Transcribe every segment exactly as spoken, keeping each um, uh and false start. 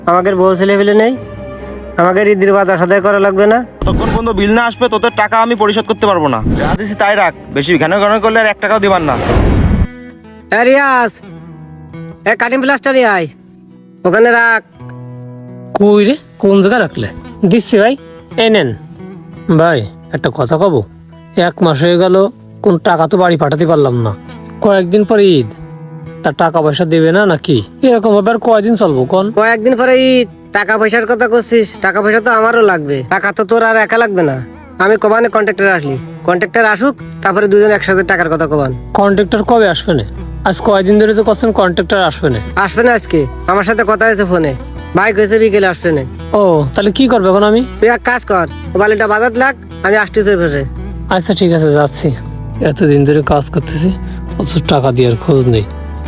আমাদের বউ ছেলে ফেলে নেই, আমাদের ঈদের বাজার সদাই করা লাগবে না। ততক্ষণ পর্যন্ত বিল না আসবে তোদের টাকা আমি পরিশোধ করতে পারবো না। যা দিছি তাই রাখ, বেশি ঘন ঘন করলে আর এক টাকাও দিবার না। হ্যাঁ রিয়াজ, এ কাটিং প্লাস্টার আয়, ওখানে রাখ। কই রে, কোন জায়গায় রাখলে? দিচ্ছি ভাই, এই নেন। ভাই একটা কথা কব, এক মাস হয়ে গেল কোন টাকা তো বাড়ি পাঠাতে পারলাম না। কয়েকদিন পরে ঈদ, তার টাকা পয়সা দেবে না নাকি? এরকম ভাবে আর কয়দিন চলবো কোন? কয়েকদিন পরে ঈদ, টাকা পয়সার কথা করছিস? টাকা পয়সা তো আমারও লাগবে। টাকা তো তোর আর একা লাগবে না। আমি কমানে কন্ট্রাক্টর আসলি, কন্ট্রাক্টর আসুক, তারপরে দুজন একসাথে টাকার কথা কমান। কন্ট্রাক্টর কবে আসবে না? আজ কয়দিন ধরে তো করছেন কন্ট্রাক্টর আসবে না। আসবে না আজকে? আমার সাথে কথা হয়েছে ফোনে, বাইক হয়েছে বিকেলে আসবে না। ও তাহলে কি করবে এখন আমি? তুই এক কাজ কর, ও বালিটা বাজার লাগ, আমি আসতেছি ফেসে। আচ্ছা ঠিক আছে, যাচ্ছি। এতদিন ধরে কাজ করতেছি, অত টাকা দেওয়ার খোঁজ নেই।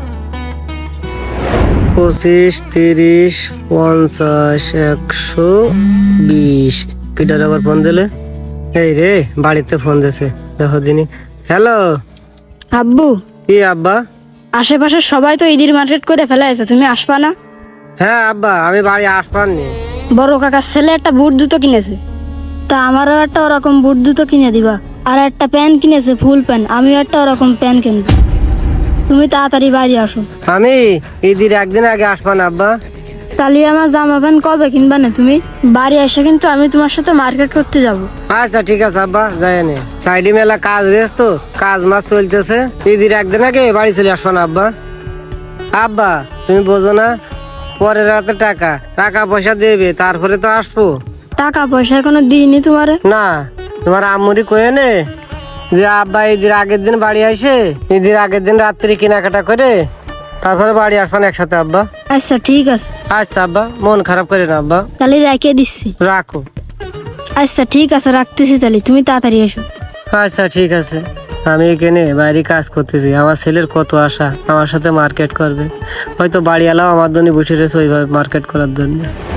পঁচিশ, তিরিশ, পঞ্চাশ, একশো বিশ। কিটার আবার ফোন দিলে? এই রে, বাড়িতে ফোন দিছে, দেখো দিনই। হ্যালো, আব্বু, কি আব্বা? আশেপাশের সবাই তো ঈদের মার্কেট করে ফেলাইছে, তুমি আসবা না? হ্যাঁ আব্বা, আমি বাড়ি আসবারনি। বড় কাকার ছেলে একটা বুট জুতো কিনেছে, তা আমারও একটা ওরকম বুট জুতো কিনে দিবা। আর একটা প্যান্ট কিনেছে, ফুল প্যান্ট, আমিও একটা ওরকম প্যান্ট কিনবো। তুমি তাড়াতাড়ি বাড়ি আসো। আমি ঈদের একদিন আগে আসবা না আব্বা? তাহলে আমার জামা প্যান্ট কবে কিনবা না তুমি? বাড়ি এসে কিন্তু আমি তোমার সাথে মার্কেট করতে যাব। আচ্ছা ঠিক আছে আব্বা, যাই নে। সাইডে মেলা কাজ রয়েছে তো, কাজ মাছ চলতেছে। ঈদের একদিন আগে বাড়ি চলে আসবা না আব্বা? আব্বা তুমি বোঝো না, পরের রাতে টাকা টাকা পয়সা দেবে, তারপরে তো আসবো। টাকা পয়সা এখনো দিইনি তোমারে। না, তোমার আম্মুরি কয়ে নে যে আব্বা ঈদের আগের দিন বাড়ি আসে, ঈদের আগের দিন রাত্রি কেনাকাটা করে তারপরে বাড়ি আসবান একসাথে আব্বা। আচ্ছা ঠিক আছে, আচ্ছা আব্বা, মন খারাপ করে না আব্বা, তাহলে রেখে দিচ্ছি। রাখো। আচ্ছা ঠিক আছে, রাখতেছি তাহলে, তুমি তাড়াতাড়ি এসো। আচ্ছা ঠিক আছে। আমি এখানে বাইরে কাজ করতেছি, আমার ছেলের কত আশা আমার সাথে মার্কেট করবে। হয়তো বাড়ি এলাও আমার জন্য বসে রয়েছে ওইভাবে মার্কেট করার জন্য।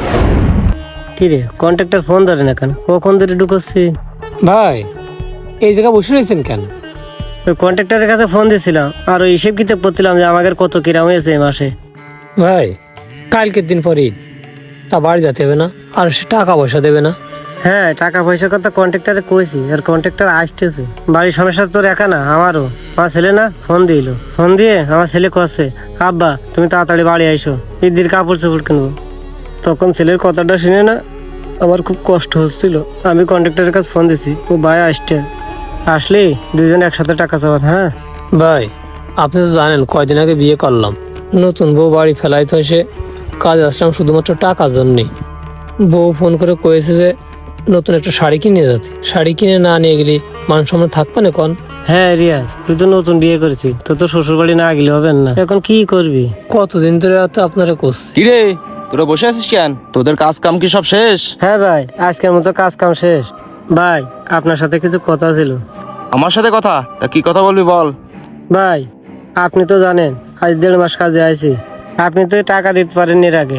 কিরে, কন্ট্রাক্টর ফোন ধরে না কেন? কখন ধরে ঢুকছি? ভাই এই জায়গায় বসে রয়েছেন কেন? ওই কন্ট্রাক্টরের কাছে ফোন দিয়েছিলাম আর ওই হিসেব কিতাব করছিলাম যে আমাদের কত কিরাম হয়েছে এই মাসে। ভাই কালকের দিন পরে ঈদ, তা বাড়ি যেতে হবে না? আর সে টাকা পয়সা দেবে না? হ্যাঁ, টাকা পয়সার কথা কন্ট্রাক্টরে কইছি, আর কন্ট্রাক্টর আসতেছে। বাড়ির সমস্যা তোর একা না, আমারও। আমার ছেলে না ফোন দিল, ফোন দিয়ে আমার ছেলে কছে, আব্বা তুমি তাড়াতাড়ি বাড়ি আইসো, ঈদের কাপড় চোপড় কিনবো। তখন ছেলের কথাটা শুনে না আমার খুব কষ্ট হচ্ছিল। আমি কন্ট্রাক্টরের কাছে ফোন দিছি, ও ভাই আসছে, আসলে দুজন একসাথে টাকা চাবান। হ্যাঁ ভাই আপনি তো জানেন কয়দিন আগে বিয়ে করলাম, নতুন বউ বাড়ি ফেলাইতে এসে কাজ আসলাম শুধুমাত্র টাকার জন্যই। বউ ফোন করে কয়েছে যে নতুন একটা শাড়ি কিনে যেতে, শাড়ি কিনে না নিয়ে গেলি মান সম্মান থাকবে না কোন? হ্যাঁ রিয়াজ, তুই তো নতুন বিয়ে করেছিস, তোর তো শ্বশুর বাড়ি না গেলে হবে না। এখন কি করবি? কতদিন ধরে তো আপনারা করছি। কিরে তোরা বসে আছিস কেন? তোদের কাজ কাম কি সব শেষ? হ্যাঁ ভাই, আজকের মতো কাজ কাম শেষ। ভাই আপনার সাথে কিছু কথা ছিল। আমার সাথে কথা? তা কি কথা বলবি বল। ভাই আপনি তো জানেন আজ দেড় মাস কাজে আইছি, আপনি তো টাকা দিতে পারেন এর আগে।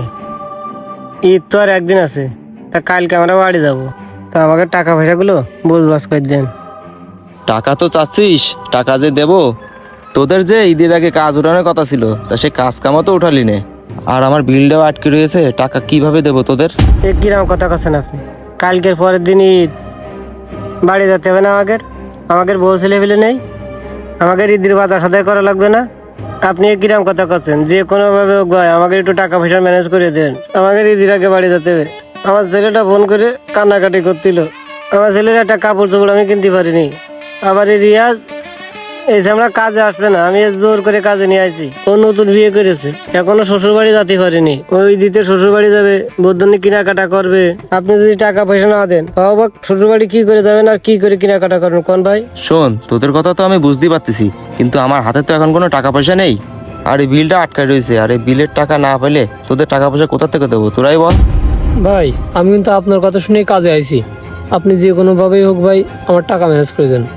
ঈদ তো আর একদিন আছে, তা কালকে আমরা বাড়ি যাবো, তা আমাকে টাকা পয়সাগুলো বুঝবাস করে দেন। টাকা তো চাচ্ছিস, টাকা যে দেবো, তোদের যে ঈদের আগে কাজ উঠানোর কথা ছিল তা সে কাজ কামও তো উঠালি নে, আর আমার বিলটাও আটকে রয়েছে, টাকা কিভাবে দেবো তোদের? এ কিরম কথা করছেন আপনি? কালকের পরের দিন ঈদ, বাড়ি যেতে হবে না আমাদের? আমাদের বউ ছেলে ফেলে নেই, আমাদের ঈদের বাজার সদাই করা লাগবে না? আপনি এ কিরম কথা করছেন? যে কোনোভাবে হোক ভাই আমাকে একটু টাকা পয়সা ম্যানেজ করে দেন, আমাদের ঈদের আগে বাড়ি যেতে হবে। আমার ছেলেটা ফোন করে কান্নাকাটি করছিল, আমার ছেলের একটা কাপড় চোপড় আমি কিনতে পারিনি। আবার এই রিয়াজ এসে আমরা কাজে আসবে না, আমি জোর করে কাজে নিয়ে আসি। ও নতুন বিয়ে করেছে, এখনো শ্বশুর বাড়ি যেতে পারিনি। ওই দিতে শ্বশুর বাড়ি যাবে, বৌদ্ধনি কেনাকাটা করবে। আপনি যদি টাকা পয়সা না দেন তাও বা শ্বশুর বাড়ি কি করে যাবেন আর কি করে কেনাকাটা করবেন কোন ভাই? শোন, তোদের কথা তো আমি বুঝতেই পারতেছি, কিন্তু আমার হাতে তো এখন কোনো টাকা পয়সা নেই, আর এই বিলটা আটকায় রয়েছে, আর এই বিলের টাকা না পেলে তোদের টাকা পয়সা কোথা থেকে দেবো তোরাই বল। ভাই আমি কিন্তু আপনার কথা শুনেই কাজে আইছি, আপনি যে কোনোভাবেই হোক ভাই আমার টাকা ম্যানেজ করে দেন।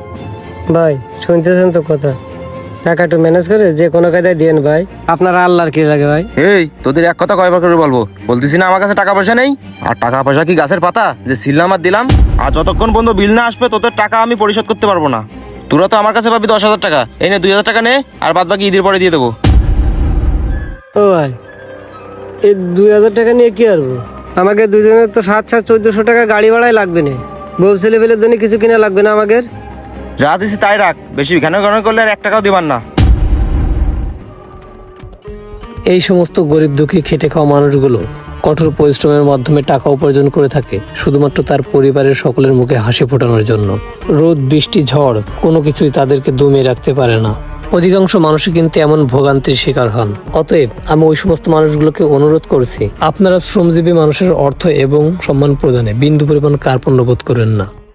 ভাই শুনতেছেন তো কথা, টাকা একটু ম্যানেজ করে যে কোনো কায়দায় দেন ভাই, আপনার আল্লাহর কি লাগে ভাই? এই তোদের এক কথা কয়বার করে বলবো? বলতেছি না আমার কাছে টাকা পয়সা নেই? আর টাকা পয়সা কি গাছের পাতা যে ছিললাম আর দিলাম? আর যতক্ষণ পর্যন্ত বিল না আসবে তোদের টাকা আমি পরিশোধ করতে পারবো না। তোরা তো আমার কাছে পাবি দশ হাজার টাকা, এই নে দুই হাজার টাকা নে, আর বাদ বাকি ঈদের পরে দিয়ে দেবো। ও ভাই এই দুই হাজার টাকা নিয়ে কি করবো? আমাকে দুজনের তো সাত সাত চোদ্দশো টাকা গাড়ি ভাড়াই লাগবে না। বউ ছেলে পেলের জন্য কিছু কিনা লাগবে না আমাদের? যা দিছি তাই রাখ, বেশি ঘন ঘন করলে আর এক টাকাও দিবার না। এই সমস্ত গরিব দুঃখী খেটে খাওয়া মানুষগুলো কঠোর পরিশ্রমের মাধ্যমে টাকা উপার্জন করে থাকে শুধুমাত্র তার পরিবারের সকলের মুখে হাসি ফোটানোর জন্য। রোদ বৃষ্টি ঝড় কোনো কিছুই তাদেরকে দমিয়ে রাখতে পারে না। অধিকাংশ মানুষই কিন্তু এমন ভোগান্তির শিকার হন। অতএব আমি ওই সমস্ত মানুষগুলোকে অনুরোধ করছি, আপনারা শ্রমজীবী মানুষের অর্থ এবং সম্মান প্রদানে বিন্দু পরিমাণ কার্পণ্য বোধ করেন না।